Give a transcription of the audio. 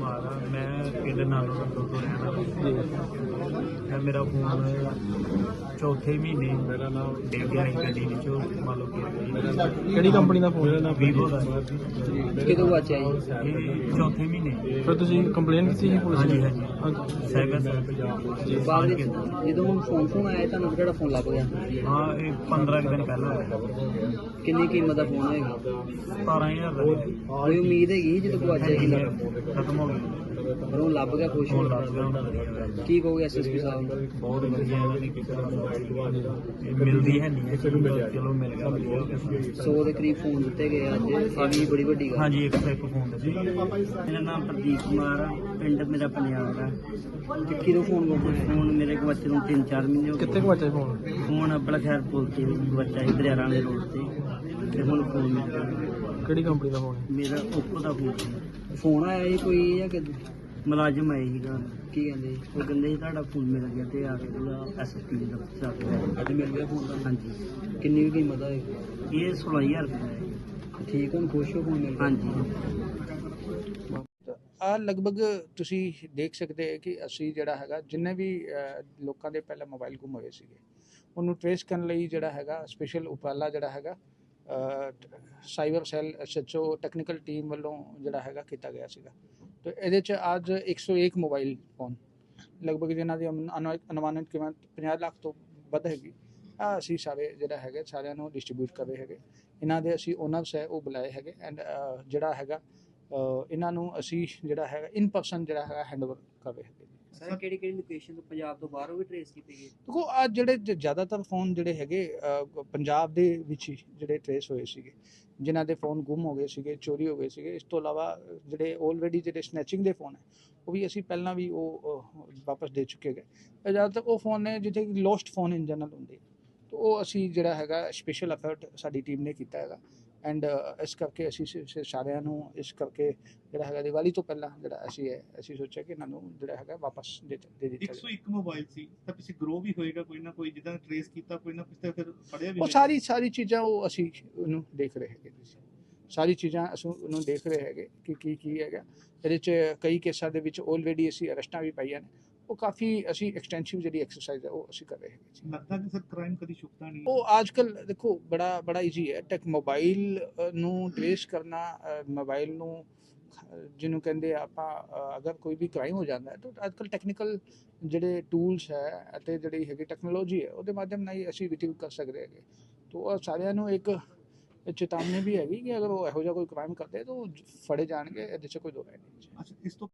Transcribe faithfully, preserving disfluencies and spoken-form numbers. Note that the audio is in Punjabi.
कुमार हाँ मैं पिंड नालो नंदो तो रहना जी। मेरा फोन चौथे महीने मेरा नाम डिग गया गड्डी विचों मान लो ਕਿਹੜੀ ਕੰਪਨੀ ਦਾ ਫੋਨ ਹੈ? वीवो का ਕਿਦੋਂ ਵਾਚਿਆ ਜੀ? ये चौथे महीने ਫਿਰ ਤੁਸੀਂ ਕੰਪਲੇਂਟ ਕੀਤੀ ਸੀ ਪੁਲਿਸ हाँ जी ਨੂੰ? हाँ जी साइबर ਬਾਅਦ ਵਿੱਚ ਜਦੋਂ ਫੋਨ ਫੋਨ ਆਇਆ ਤੁਹਾਨੂੰ ਕਿਹੜਾ ਫੋਨ ਲੱਭ ਗਿਆ? हाँ ये पंद्रह दिन पहले होया ਕਿੰਨੀ ਕੀਮਤ ਦਾ ਫੋਨ ਹੋਏਗਾ? सतारह हजार का ਕੋਈ ਉਮੀਦ ਹੈਗੀ ਜਦੋਂ ਗਵਾਚਿਆ ਸੀ? खत्म हो गया ਪਰ ਉਹ ਲੱਭ ਗਿਆ, ਖੁਸ਼ ਹੋ फोन लग गया ਕੀ ਕਹੋਗੇ ਐਸਐਸਪੀ ਸਾਹਿਬ ਨੂੰ? बहुत वधिया इन्हां दी किस्मत मिलदी है नहीं चलो मिल गया सौ ਦੇ ਕਰੀਬ ਫੋਨ ਦਿੱਤੇ ਗਏ ਅੱਜ, ਇਹ ਵੀ ਬੜੀ ਵੱਡੀ ਗੱਲ। हाँ जी एक सौ एक फोन दे ਮੇਰਾ ਨਾਮ ਪ੍ਰਦੀਪ ਕੁਮਾਰ ਆ, ਪਿੰਡ ਮੇਰਾ ਪੰਜਾਬ ਆ। ਤੇ ਕਿਦੋਂ ਫੋਨ ਗਵਾਚਿਆ? ਫੋਨ ਮੇਰੇ ਗਵਾਚੇ ਨੂੰ ਤਿੰਨ ਚਾਰ ਮਹੀਨੇ ਹੋ ਕਿੱਥੇ ਗਏ। ਗਵਾਚਿਆ ਫੋਨ? ਫੋਨ ਆਪਣਾ ਖੈਰ ਪੁੱਲ ਤੇ ਗਵਾਚਿਆ ਸੀ ਦਰਿਆਰਾਂ ਵਾਲੇ ਰੋਡ ਤੇ, ਤੇ ਹੁਣ ਫੋਨ ਮਿਲ ਗਿਆ। ਕਿਹੜੀ ਕੰਪਨੀ ਦਾ ਫੋਨ ਹੈ? ਮੇਰਾ ਓਪੋ ਦਾ ਫੋਨ ਸੀ। ਫੋਨ ਆਇਆ ਸੀ ਕੋਈ ਜਾਂ ਕਿ ਮੁਲਾਜ਼ਮ ਆਏ ਸੀਗਾ, ਕੀ ਕਹਿੰਦੇ ਸੀ? ਉਹ ਕਹਿੰਦੇ ਸੀ ਤੁਹਾਡਾ ਫੋਨ ਮਿਲ ਗਿਆ ਤੇ ਆ ਕੇ ਉਹਦਾ ਐਸਐਸਪੀ ਦਾ ਦਫ਼ਤਰ ਆ ਕੇ ਅੱਜ ਮਿਲ ਗਿਆ ਫੋਨ ਦਾ। ਹਾਂਜੀ। ਕਿੰਨੀ ਵੀ ਕੀਮਤ ਆ ਇਹ? ਇਹ ਸੋਲਾਂ ਹਜ਼ਾਰ ਰੁਪਏ ਦਾ ਹੈ। ਠੀਕ, ਹੁਣ ਖੁਸ਼ ਹੋ ਫੋਨ ਮਿਲ ਗਿਆ? ਹਾਂਜੀ। ਆ ਲਗਭਗ ਤੁਸੀਂ ਦੇਖ ਸਕਦੇ ਹੋ ਕਿ ਅਸੀਂ ਜਿਹੜਾ ਹੈਗਾ ਜਿੰਨੇ ਵੀ ਅ, ਲੋਕਾਂ ਦੇ ਪਹਿਲਾਂ ਮੋਬਾਈਲ ਗੁੰਮ ਹੋਏ ਸੀਗੇ ਉਹਨੂੰ ਟ੍ਰੇਸ ਕਰਨ ਲਈ ਜਿਹੜਾ ਹੈਗਾ ਸਪੈਸ਼ਲ ਉਪਰਾਲਾ ਜਿਹੜਾ ਹੈਗਾ cyber cell SHO technical team ਵੱਲੋਂ ਜਿਹੜਾ ਹੈਗਾ ਕੀਤਾ ਗਿਆ ਸੀਗਾ। ਤੇ ਇਹਦੇ 'ਚ ਅੱਜ ਇੱਕ ਸੌ ਇੱਕ ਮੋਬਾਈਲ ਫੋਨ ਲਗਭਗ ਜਿਨ੍ਹਾਂ ਦੀ ਅਨੁ- ਅਨੁ- ਅਨੁਮਾਨਿਤ ਕੀਮਤ ਪੰਜਾਹ ਲੱਖ ਤੋਂ ਵੱਧ ਹੈਗੀ ਆ ਅਸੀਂ ਸਾਰੇ ਜਿਹੜਾ ਹੈਗਾ ਸਾਰਿਆਂ ਨੂੰ ਡਿਸਟਰੀਬਿਊਟ ਕਰ ਰਹੇ ਹੈਗੇ। ਇਹਨਾਂ ਦੇ ਅਸੀਂ ਓਨਰਸ ਹੈ ਉਹ ਬੁਲਾਏ ਹੈਗੇ ਐਂਡ ਜਿਹੜਾ ਹੈਗਾ ਅ, ਇਹਨਾਂ ਨੂੰ ਅਸੀਂ ਜਿਹੜਾ ਹੈਗਾ ਇਨ ਪਰਸਨ ਜਿਹੜਾ ਹੈਗਾ ਹੈਂਡਓਵਰ ਕਰ ਰਹੇ ਹੈਗੇ। ਸਰ ਕਿਹੜੀ ਕਿਹੜੀ ਲੋਕੇਸ਼ਨ ਤੋਂ ਪੰਜਾਬ ਤੋਂ ਬਾਹਰੋਂ ਵੀ ਟ੍ਰੇਸ ਕੀਤੇ ਗਏ? ਦੇਖੋ ਆ ਜਿਹੜੇ ਜ- ਜ਼ਿਆਦਾਤਰ ਫੋਨ ਜਿਹੜੇ ਹੈਗੇ ਅ, ਪੰਜਾਬ ਦੇ ਵਿੱਚ ਹੀ ਜਿਹੜੇ ਟ੍ਰੇਸ ਹੋਏ ਸੀਗੇ, ਜਿਨ੍ਹਾਂ ਦੇ ਫੋਨ ਗੁੰਮ ਹੋ ਗਏ ਸੀਗੇ, ਚੋਰੀ ਹੋ ਗਏ ਸੀਗੇ। ਇਸ ਤੋਂ ਇਲਾਵਾ ਜਿਹੜੇ ਆਲਰੇਡੀ ਜਿਹੜੇ ਸਨੈਚਿੰਗ ਦੇ ਫੋਨ ਹੈ ਉਹ ਵੀ ਅਸੀਂ ਪਹਿਲਾਂ ਵੀ ਉਹ ਅ, ਵਾਪਸ ਦੇ ਚੁੱਕੇ ਗਏ। ਇਹ ਜ਼ਿਆਦਾਤਰ ਉਹ ਫੋਨ ਨੇ ਜਿੱਥੇ ਲੋਸਟ ਫੋਨ ਇਨ ਜਨਰਲ ਹੁੰਦੇ, ਤਾਂ ਉਹ ਅਸੀਂ ਜਿਹੜਾ ਹੈਗਾ ਸਪੈਸ਼ਲ ਐਫਰਟ ਸਾਡੀ ਟੀਮ ਨੇ ਕੀਤਾ ਹੈਗਾ ਐਂਡ ਇਸ ਕਰਕੇ ਅਸੀਂ ਸ- ਸ- ਸਾਰਿਆਂ ਨੂੰ ਇਸ ਕਰਕੇ ਜਿਹੜਾ ਹੈਗਾ ਦੀਵਾਲੀ ਤੋਂ ਪਹਿਲਾਂ ਜਿਹੜਾ ਅਸੀਂ ਹੈ ਅਸੀਂ ਸੋਚਿਆ ਕਿ ਇਹਨਾਂ ਨੂੰ ਜਿਹੜਾ ਹੈਗਾ ਵਾਪਸ ਦੇ ਦੇ ਦਿੱਤਾ ਇੱਕ ਸੌ ਇੱਕ ਮੋਬਾਈਲ ਸੀ ਤਾਂ ਪਿੱਛੇ ਗਰੋ ਵੀ ਹੋਏਗਾ ਕੋਈ ਨਾ ਕੋਈ, ਜਿੱਦਾਂ ਟ੍ਰੇਸ ਕੀਤਾ ਕੋਈ ਨਾ ਕੁਛ ਤਾਂ ਫਿਰ ਫੜਿਆ ਵੀ ਉਹ ਹੋਏਗਾ। ਸਾਰੀ ਸਾਰੀ ਚੀਜ਼ਾਂ ਉਹ ਅਸੀਂ ਉਹਨੂੰ ਦੇਖ ਰਹੇ ਹੈਗੇ ਤੁਸੀਂ ਸਾਰੀ ਚੀਜ਼ਾਂ ਅਸੀਂ ਉਹਨੂੰ ਦੇਖ ਰਹੇ ਹੈਗੇ ਕਿ ਕੀ ਕੀ ਹੈਗਾ। ਇਹਦੇ 'ਚ ਕਈ ਕੇਸਾਂ ਦੇ ਵਿੱਚ ਆਲਰੇਡੀ ਅਸੀਂ ਅਰੈਸਟਾਂ ਵੀ ਪਾਈਆਂ ਨੇ। ਉਹ ਕਾਫੀ ਅਸੀਂ ਐਕਸਟੈਂਸਿਵ ਜਿਹੜੀ ਐਕਸਰਸਾਈਜ਼ ਹੈ ਉਹ ਅਸੀਂ ਕਰ ਰਹੇ ਹੈਗੇ ਜੀ। ਲੱਗਦਾ ਕਿ ਸਰ ਕ੍ਰਾਈਮ ਕਦੀ ਛੁਪਦਾ ਨਹੀਂ। ਉਹ ਅੱਜ ਕੱਲ ਦੇਖੋ ਬੜਾ ਬੜਾ ਈਜ਼ੀ ਹੈ ਟੈਕ ਮੋਬਾਈਲ ਨੂੰ ਟ੍ਰੇਸ ਕਰਨਾ। ਮੋਬਾਈਲ ਨੂੰ ਜਿਹਨੂੰ ਕਹਿੰਦੇ ਆ ਆਪਾਂ ਅ, ਅਗਰ ਕੋਈ ਵੀ ਕ੍ਰਾਈਮ ਹੋ ਜਾਂਦਾ ਹੈ ਤਾਂ ਅੱਜ ਕੱਲ ਟੈਕਨੀਕਲ ਜਿਹੜੇ ਟੂਲਸ ਹੈ ਅਤੇ ਜਿਹੜੀ ਹੈਗੀ ਟੈਕਨੋਲੋਜੀ ਹੈ ਉਹਦੇ ਮਾਧਿਅਮ ਨਾਲ ਹੀ ਅਸੀਂ ਰਿਟਰੀਵ ਕਰ ਸਕਦੇ ਹੈਗੇ। ਤਾਂ ਉਹ ਸਾਰਿਆਂ ਨੂੰ ਇੱਕ ਚੇਤਾਵਨੀ ਵੀ ਹੈਗੀ ਕਿ ਅਗਰ ਉਹ ਇਹੋ ਜਿਹਾ ਕੋਈ ਕ੍ਰਾਈਮ ਕਰਦੇ ਤਾਂ ਉਹ ਫੜੇ ਜਾਣਗੇ। ਇਹਦੇ 'ਚ ਕੋਈ ਦੋ ਰਾਏ ਨਹੀਂ। ਅੱਛਾ, ਇਸ ਤੋਂ